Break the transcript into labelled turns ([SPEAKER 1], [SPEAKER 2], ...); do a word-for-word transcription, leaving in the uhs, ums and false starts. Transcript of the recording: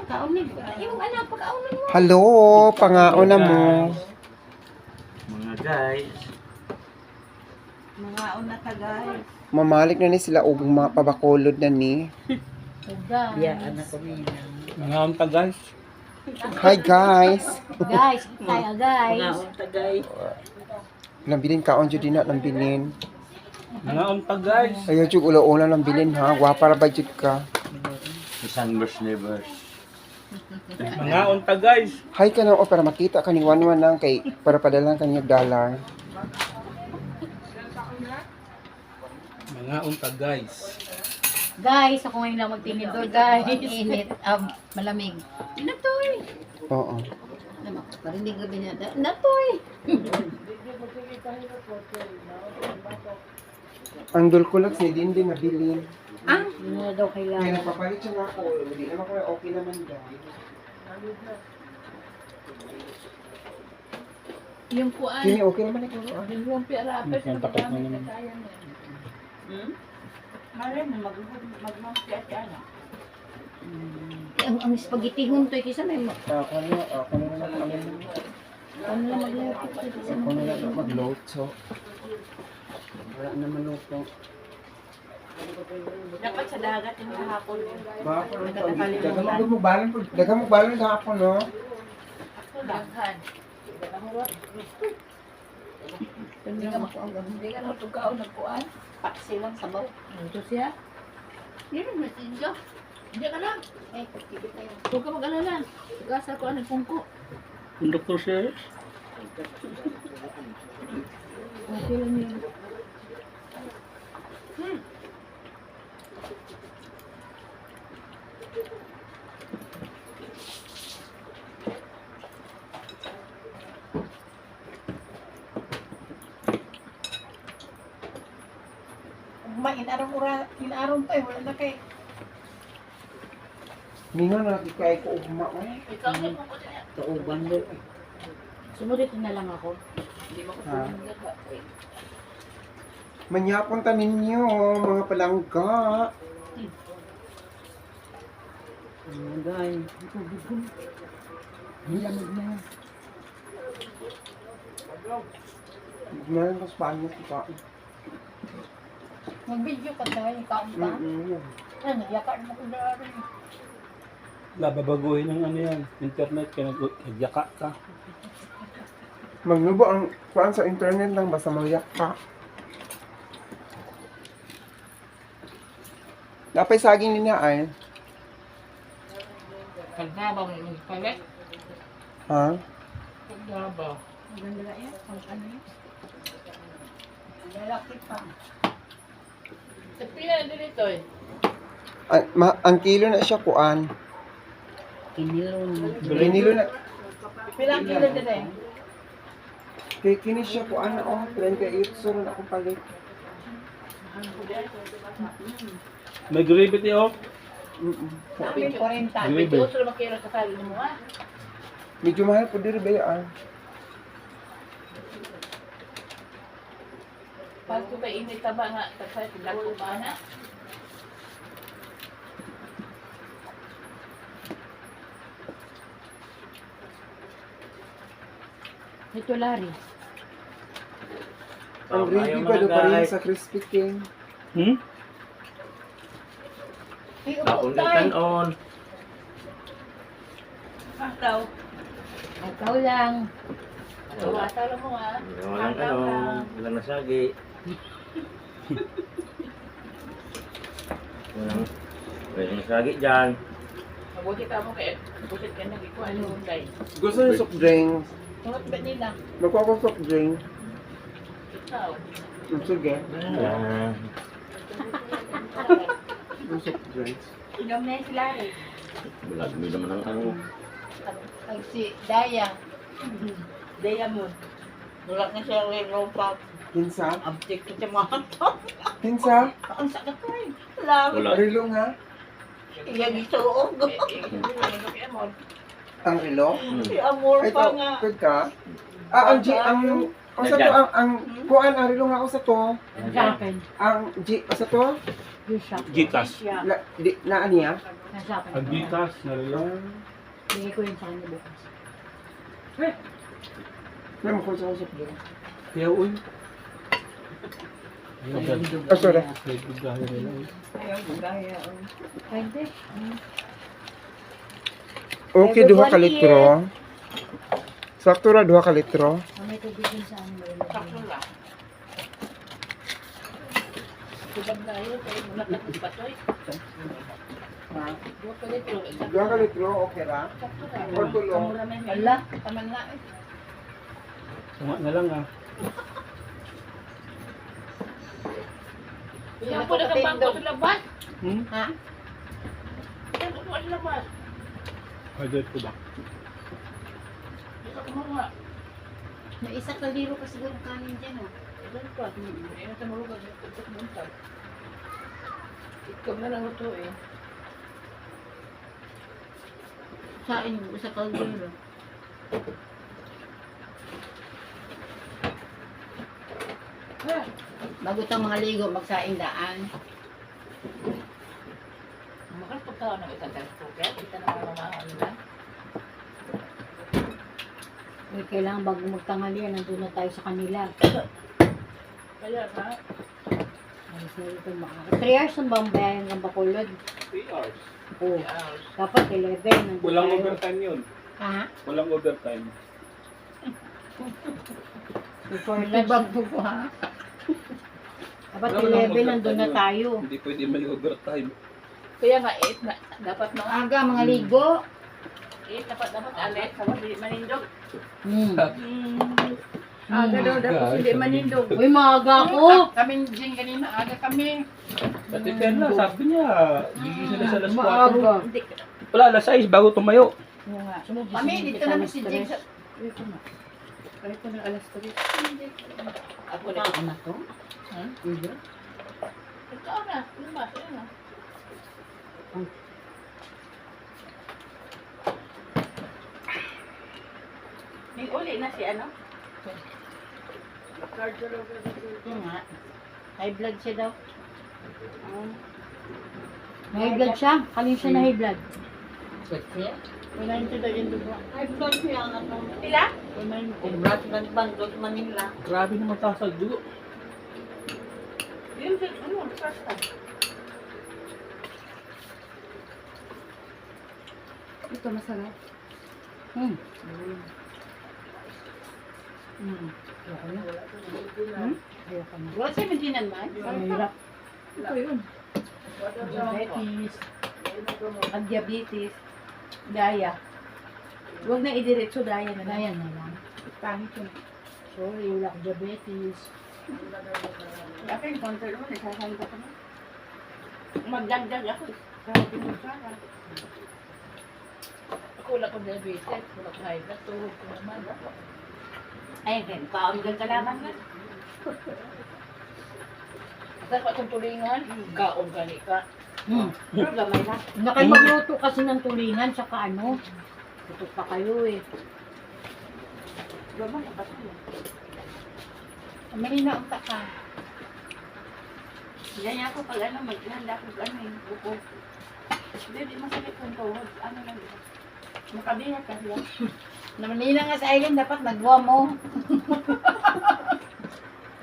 [SPEAKER 1] Kaunig. Yung anak, pagkaunan mo.
[SPEAKER 2] Hello, pangaon na mo.
[SPEAKER 3] Mga guys.
[SPEAKER 1] Mga una ka, guys.
[SPEAKER 2] Mamalik na ni sila og mga pabakulod na ni.
[SPEAKER 1] Guys.
[SPEAKER 4] Yeah, anak ko niya.
[SPEAKER 3] Mga unta guys.
[SPEAKER 2] Hi guys.
[SPEAKER 1] Guys, tayo
[SPEAKER 4] Mga
[SPEAKER 1] guys.
[SPEAKER 4] unta guys.
[SPEAKER 2] Lambilin kaon jud dina lambilin.
[SPEAKER 3] Mga unta guys.
[SPEAKER 2] Ayaw jud ulo-ulo lambilin ha. Gwapa ra ba jud ka?
[SPEAKER 3] Isang verse nevers. Mga unta guys.
[SPEAKER 2] Hi ka na o para makita ka ni Wanwan lang kay para padalan kanya dollar.
[SPEAKER 3] Mga unta guys.
[SPEAKER 1] Guys, ako ngayon lang magtinidor, guys. Init. Um, malamig. Natoy.
[SPEAKER 2] Oo.
[SPEAKER 1] Parinig gabi na. Natoy.
[SPEAKER 2] Ang dul ko lang si Dindi nabilin.
[SPEAKER 1] Ah? Yun na daw
[SPEAKER 2] Kaya
[SPEAKER 1] kailangan.
[SPEAKER 2] napapalit siya na ako. Hindi naman ko okay naman guys.
[SPEAKER 1] Yung kuan.
[SPEAKER 2] Kini okay naman ako. ah.
[SPEAKER 1] Yung pira.
[SPEAKER 3] Ang takot na naman.
[SPEAKER 1] Hmm?
[SPEAKER 4] Mare mo mag mag-mag ano.
[SPEAKER 1] Ang, ang spaghetti huntoy kisa may ma-
[SPEAKER 2] Ako na, ako na lang kami.
[SPEAKER 1] ano lang maglapit kisa
[SPEAKER 2] Ako na lang mag-load so. Wala naman luto.
[SPEAKER 4] Dapat sa dagat yung hapon.
[SPEAKER 2] Baka ko dagang mo balon po. Dagang mo balon ka ako no.
[SPEAKER 4] Daghan.
[SPEAKER 1] Hindi ka makuha. Hindi ka na tugaw nagkuan.
[SPEAKER 4] Paksi lang sa baw.
[SPEAKER 1] Ito siya. Yan ang message ka. Hindi ka lang. Eh, kikit na yun. Huwag ka mag-alala. Gasa ko ang pungko.
[SPEAKER 3] Pundok ko siya.
[SPEAKER 1] Okay lang yun. Hmm. Ma, inarong ura, inarong pa eh. Wala na kay.
[SPEAKER 2] Ningon na kay ko ugma eh.
[SPEAKER 1] Ikaw na pungko niya.
[SPEAKER 4] Kauban mo.
[SPEAKER 1] Sumunod na lang ako. Hindi mo ko
[SPEAKER 2] Ha?
[SPEAKER 1] sumunod ka.
[SPEAKER 2] Manyapon ta ninyo mga palangga.
[SPEAKER 4] Mga guys.
[SPEAKER 2] Hilamig na. Meron ko Spanish pa.
[SPEAKER 1] Mag-video ka tayo. Ikaw ba?
[SPEAKER 2] Mm-mm.
[SPEAKER 1] Ano, yakar mo ko dahil.
[SPEAKER 3] Lababaguhin ng ano yan. Internet kaya nagyaka ka.
[SPEAKER 2] Magnubo ang kuan sa internet lang basta magyak ka. Napay saging niya ay.
[SPEAKER 4] Kagaba mo yung palit.
[SPEAKER 2] Ha?
[SPEAKER 4] Kagaba.
[SPEAKER 1] Maganda na yan. Ang ano yun? Lalaki pa.
[SPEAKER 4] Sa pila na dito eh.
[SPEAKER 2] Ang, ma- ang kilo na siya kuan.
[SPEAKER 4] Kinilon.
[SPEAKER 2] Binilo na.
[SPEAKER 1] Pilang kilo din eh.
[SPEAKER 2] Kay kini siya kuan na oh. twenty-eight so na akong palit.
[SPEAKER 3] May gravity oh.
[SPEAKER 2] Mm-mm.
[SPEAKER 1] Sabi forty.
[SPEAKER 3] Grabe.
[SPEAKER 1] Ito sila makira sa kali mo ha.
[SPEAKER 2] Medyo mahal po diri ba ah.
[SPEAKER 4] Pag ko ba init ka ba nga, tapos pinag ko ba na?
[SPEAKER 1] Ito lari.
[SPEAKER 2] Ang
[SPEAKER 3] Oh,
[SPEAKER 2] gravy
[SPEAKER 3] ayaw
[SPEAKER 2] ba do
[SPEAKER 3] mga
[SPEAKER 2] pa rin
[SPEAKER 3] guys.
[SPEAKER 2] sa Crispy King?
[SPEAKER 3] Hmm?
[SPEAKER 1] Ay,
[SPEAKER 3] Ako
[SPEAKER 1] upo
[SPEAKER 3] na
[SPEAKER 1] tayo.
[SPEAKER 3] on.
[SPEAKER 4] Ikaw.
[SPEAKER 1] Ikaw lang.
[SPEAKER 4] Wata lang mo ha.
[SPEAKER 3] Walang ano. Walang nasagi. Walang. Walang nasagi dyan.
[SPEAKER 4] Mabuti ka mo kaya. Mabuti ka na ikaw. Ano mo guys?
[SPEAKER 2] Gusto niyo soft drinks?
[SPEAKER 4] Tungot ba nila?
[SPEAKER 2] Magkuha ko soft drink.
[SPEAKER 4] Ikaw.
[SPEAKER 2] Mm, sige.
[SPEAKER 3] Ah.
[SPEAKER 2] Yung soft drinks.
[SPEAKER 1] Inom na yung sila eh.
[SPEAKER 3] Bulag mo naman ang ano.
[SPEAKER 1] Ang si Daya.
[SPEAKER 4] Diamond. Dulak na siya rin ropa.
[SPEAKER 2] Hinsa?
[SPEAKER 4] Abtik ko siya mga to.
[SPEAKER 2] Hinsa?
[SPEAKER 4] Ang sakit ko eh. Wala.
[SPEAKER 3] Wala.
[SPEAKER 2] Rilo nga.
[SPEAKER 4] Iyang isuog.
[SPEAKER 2] Ang rilo?
[SPEAKER 4] Si Amor
[SPEAKER 2] Ay,
[SPEAKER 4] pa
[SPEAKER 2] ito,
[SPEAKER 4] nga.
[SPEAKER 2] good ka? Ah, ang, G, ang O sa to, ang, ang kuan, ang rilong ako sa to,
[SPEAKER 1] Sa akin.
[SPEAKER 2] ang G, o sa to,
[SPEAKER 1] Yung shop.
[SPEAKER 5] Gcash.
[SPEAKER 4] Siya.
[SPEAKER 2] na, di, na niya.
[SPEAKER 1] Nasa akin.
[SPEAKER 5] Ang Gcash na rin.
[SPEAKER 1] Bigay ko yun sa kanya bukas.
[SPEAKER 2] May mo kung sa usap doon.
[SPEAKER 5] Kaya uy.
[SPEAKER 2] Ah, sorry.
[SPEAKER 5] May bigay nila.
[SPEAKER 4] Ayaw, gaya. oh.
[SPEAKER 1] Ay, hindi.
[SPEAKER 2] Okay, duha ka litro. Sakto ra duha ka litro.
[SPEAKER 1] Ah, may tubig din sa ano.
[SPEAKER 4] Sakto lang. Subag na yun, kaya mula ka ng patoy.
[SPEAKER 2] Ha?
[SPEAKER 4] Dua ka litro. Sakto
[SPEAKER 2] Duha ka litro, okay ra?
[SPEAKER 4] sakto lang.
[SPEAKER 2] Or tulong.
[SPEAKER 4] Ang mura na yun.
[SPEAKER 1] Ala.
[SPEAKER 4] Taman nga eh.
[SPEAKER 5] Tama na lang ah.
[SPEAKER 4] Kaya po na kang bangko sa labas.
[SPEAKER 5] Hmm?
[SPEAKER 4] Ha? Kaya po sa labas.
[SPEAKER 5] Order ko ba?
[SPEAKER 4] Kaya po nga.
[SPEAKER 1] May isa kaliro kasi siguro kanin dyan, oh.
[SPEAKER 4] Ilan pa? Kaya na sa marugag. Ito muntag. Ikaw na lang ito eh.
[SPEAKER 1] Sa inyo, isa kaliro. Bago itong mga ligo, magsaing daan.
[SPEAKER 4] Makal pagkaon ng isang gaspuket. Ito na mga mamahal nila.
[SPEAKER 1] Uy, kailangan bago magtanghalian, nandun na tayo sa kanila.
[SPEAKER 4] Kaya ha?
[SPEAKER 1] Alis na dito makaka. three hours ang bambayan ng Bacolod.
[SPEAKER 5] three hours.
[SPEAKER 1] Oo.
[SPEAKER 4] Yes.
[SPEAKER 1] Dapat eleven. nandun
[SPEAKER 5] Walang
[SPEAKER 1] tayo.
[SPEAKER 5] overtime yun.
[SPEAKER 1] Ha?
[SPEAKER 5] Walang overtime.
[SPEAKER 1] Before lunch.
[SPEAKER 4] Bago ko ha?
[SPEAKER 1] Dapat
[SPEAKER 5] Walang
[SPEAKER 1] eleven,
[SPEAKER 5] overtime
[SPEAKER 1] nandun na
[SPEAKER 5] yun.
[SPEAKER 1] tayo.
[SPEAKER 5] Hindi pwede may overtime.
[SPEAKER 4] Kaya nga eight na. Dapat mga
[SPEAKER 1] Aga, mga ligo.
[SPEAKER 4] eight. Dapat dapat alit. Sabi di manindog.
[SPEAKER 1] Hmm.
[SPEAKER 4] Aga daw dapat hindi manindog.
[SPEAKER 1] Uy, maaga ako.
[SPEAKER 4] Kami din kanina. Aga kami.
[SPEAKER 5] Dati Perla, sabi niya, gigising na sa alas four.
[SPEAKER 1] Maaga.
[SPEAKER 4] Hindi.
[SPEAKER 5] Wala, alas sais bago tumayo.
[SPEAKER 4] Oo nga. Kami dito naman si James.
[SPEAKER 1] Uy, ito na. Kahit ko na alas tres.
[SPEAKER 4] Ako na.
[SPEAKER 1] Ano to?
[SPEAKER 4] Ha?
[SPEAKER 1] Hindi.
[SPEAKER 4] Ikaw na. Lumas. Ayun na. May uli na si ano?
[SPEAKER 1] Ito nga. High blood siya daw. May high blood siya. Kanina siya na high blood. Wala nito daw yung dugo.
[SPEAKER 4] Ay, blood siya ang ano. Pila?
[SPEAKER 1] Wala nito.
[SPEAKER 4] Kung blood ng bandot Manila.
[SPEAKER 5] Grabe naman taas ang dugo.
[SPEAKER 4] Yun din, ano, first time.
[SPEAKER 1] Ito masarap. Hmm. Hmm. Ayoko na. Hmm? Ayoko na.
[SPEAKER 4] Wala siya maginan man?
[SPEAKER 1] Mahirap.
[SPEAKER 4] Ito yun.
[SPEAKER 1] Diabetes.
[SPEAKER 4] Ang diabetes. Daya. Huwag na idiretso daya na lang.
[SPEAKER 1] Kaya na lang.
[SPEAKER 4] Pangit yun.
[SPEAKER 1] Sorry, wala akong diabetes.
[SPEAKER 4] Ako yung counter mo, nagsasali ka pa na. Magdagdag ako. Sabi mo sana. Ako wala ko diabetes, wala ko high blood, tuhod ko naman. Ay, then, paundan ka naman nga. Sa ko itong tulingan, kaon ka ni ka.
[SPEAKER 1] Hmm.
[SPEAKER 4] Pero gamay na.
[SPEAKER 1] Na kayo magluto kasi ng tulingan, saka ano. Tutok pa kayo eh.
[SPEAKER 4] Gamay na kasi.
[SPEAKER 1] May na ang taka.
[SPEAKER 4] Ganyan ako pag ano, maghanda ko ano yung buko. Hindi, di masakit kung tuhod. Ano lang ito. Makabihat kasi lang.
[SPEAKER 1] Na Manila nga sa island, dapat nagwa mo.